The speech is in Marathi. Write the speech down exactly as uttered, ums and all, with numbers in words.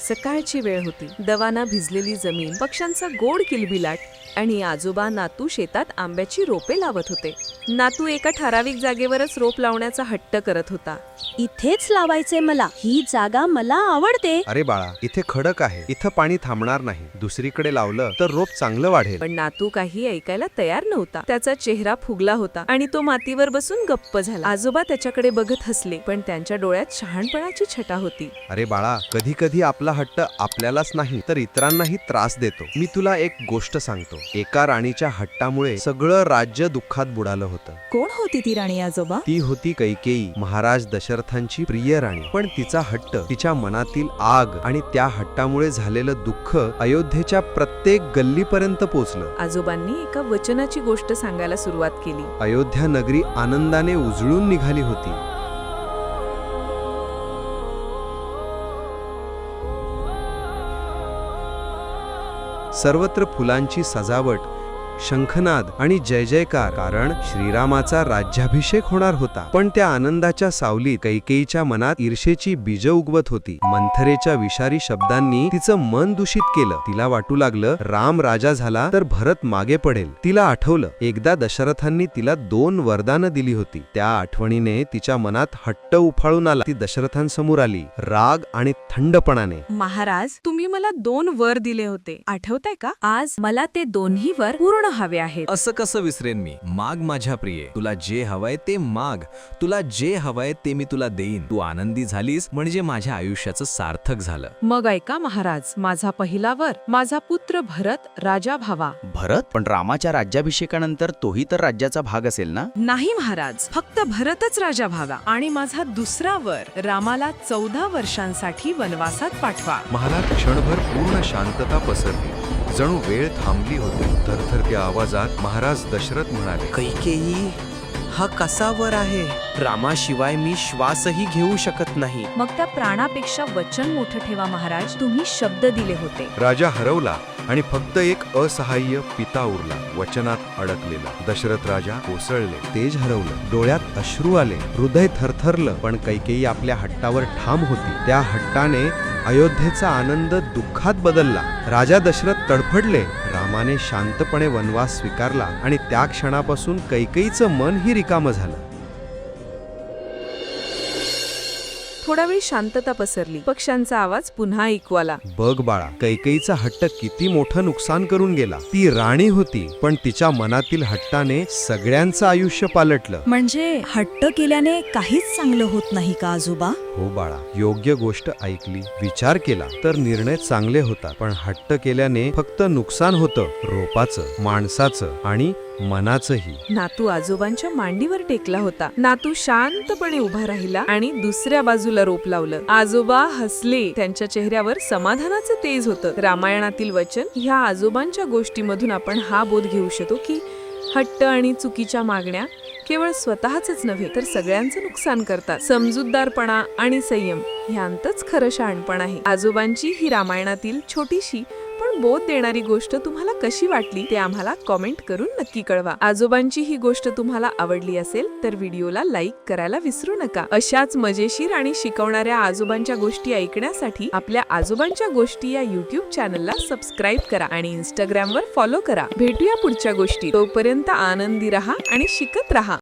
सकाळची वेळ होती. दवाना भिजलेली जमीन, पक्ष्यांचा गोड किलबिलाट आणि आजोबा नातू शेतात आंब्याची रोपे लावत होते. नातू एका ठराविक जागेवरच रोप लावण्याचा हट्ट करत होता. इथेच लावायचे मला, ही जागा मला आवडते. अरे बाळा, इथे खडक आहे, इथं पाणी थांबणार नाही. दुसरीकडे लावलं तर रोप चांगलं वाढेल. पण नातू काही ऐकायला तयार नव्हता. त्याचा चेहरा फुगला होता आणि तो मातीवर बसून गप्प झाला. आजोबा त्याच्याकडे बघत हसले, पण त्यांच्या डोळ्यात शहाणपणाची छटा होती. अरे बाळा, कधी कधी आपला हट्ट आपल्यालाच नाही तर इतरांनाही त्रास देतो. मी तुला एक गोष्ट सांगतो. एका राणीच्या हट्टामुळे सगळं राज्य दुःखात बुडालं होतं. कोण होती ती राणी आजोबा? ती होती कैकेयी, महाराज दशरथांची प्रिय राणी. पण तिचा हट्ट, तिच्या मनातील आग आणि त्या हट्टामुळे झालेलं दुःख अयोध्येच्या प्रत्येक गल्लीपर्यंत पोचलं. आजोबांनी एका वचनाची गोष्ट सांगायला सुरुवात केली. अयोध्या नगरी आनंदाने उजळून निघाली होती. सर्वत्र फुलांची सजावट, शंखनाद आणि जय जयकार, कारण श्रीरामाचा राज्याभिषेक होणार होता. पण त्या आनंदाच्या सावलीत कैकेयीच्या मनात ईर्षेची बीज उगवत होती. मंथरेच्या विषारी शब्दांनी तिचं मन दूषित केलं. तिला वाटू लागलं, राम राजा झाला तर भरत मागे पडेल. तिला आठवलं, एकदा दशरथांनी तिला दोन वरदानं दिली होती. त्या आठवणीने तिच्या मनात हट्ट उफाळून आला. ती दशरथांसमोर आली, राग आणि थंडपणाने. महाराज, तुम्ही मला दोन वर दिले होते, आठवतंय का? आज मला ते दोन्ही वर पूर्ण हवे आहेत. असं कसं विसरेन मी? माग माझ्या प्रिये, तुला जे हवंय ते माग. तुला जे हवंय ते मी तुला देईन. तू आनंदी झालीस म्हणजे माझ्या आयुष्याचं सार्थक झालं. मग ऐका महाराज, माझा पहिला वर, माझा पुत्र भरत राजा व्हावा. भरत? पण रामाच्या राज्याभिषेकानंतर तोही तर राज्याचा भाग असेल ना? नाही महाराज, फक्त भरतच राजा व्हावा. आणि माझा दुसरा वर, रामाला चौदा वर्षांसाठी वनवासात पाठवा. महालात क्षणभर पूर्ण शांतता पसरली. जणू वेळ थांबली होती. थरथरत्या आवाजात महाराज दशरथ म्हणाले, कैकेयी, हा कसा वर आहे? रामाशिवाय मी श्वासही घेऊ शकत नाही. मग त्या प्राणापेक्षा वचन मोठं ठेवा महाराज. तुम्ही शब्द दिले होते. राजा हरवला आणि फक्त एक असहाय्य पिता उरला, वचनात अडकलेला. दशरथ राजा कोसळले, तेज हरवलं, डोळ्यात अश्रू आले, हृदय थरथरलं. पण कैकेयी आपल्या हट्टावर ठाम होती. त्या हट्टाने अयोध्येचा आनंद दुःखात बदलला. राजा दशरथ तडफडले. रामाने शांतपणे वनवास स्वीकारला आणि त्या क्षणापासून कैकेयीचं मनही रिकामं झालं. थोडा वेळ शांतता पसरली. पक्ष्यांचा आवाज पुन्हा ऐकू आला. बघ बाळा, कैकेयीचा हट्ट किती मोठं नुकसान करून गेला. ती राणी होती, पण तिच्या मनातील हट्टाने सगळ्यांचं आयुष्य पालटलं. म्हणजे हट्ट केल्याने काहीच चांगलं होत नाही का आजोबा? हो बाळा, योग्य गोष्ट ऐकली, विचार केला तर निर्णय चांगले होतात. पण हट्ट केल्याने फक्त नुकसान होतं, रोपाचं, माणसाचं आणि मनाचंही. नातू आजोबांच्या मांडीवर टेकला होता. नातू शांतपणे उभा राहिला आणि दुसऱ्या बाजूला रोप लावलं. आजोबा हसले. त्यांच्या चेहऱ्यावर समाधानाचं तेज होतं. रामायणातील वचन, ह्या आजोबांच्या गोष्टीमधून आपण हा बोध घेऊ शकतो की हट्ट आणि चुकीच्या मागण्या केवळ स्वतःच नव्हे तर सगळ्यांचं नुकसान करतात. समजूतदारपणा आणि संयम ह्यांतच खरं शहाणपण आहे. आजोबांची ही रामायणातील छोटीशी पण बोध देणारी गोष्ट तुम्हाला कशी वाटली ते आम्हाला कॉमेंट करून नक्की कळवा. आजोबांची ही गोष्ट तुम्हाला आवडली असेल तर व्हिडिओला लाईक करायला विसरू नका. अशाच मजेशीर आणि शिकवणाऱ्या आजोबांच्या गोष्टी ऐकण्यासाठी आपल्या आजोबांच्या गोष्टी या युट्यूब चॅनलला सबस्क्राईब करा आणि इंस्टाग्रामवर फॉलो करा. भेटूया पुढच्या गोष्टी. तोपर्यंत आनंदी राहा आणि शिकत राहा.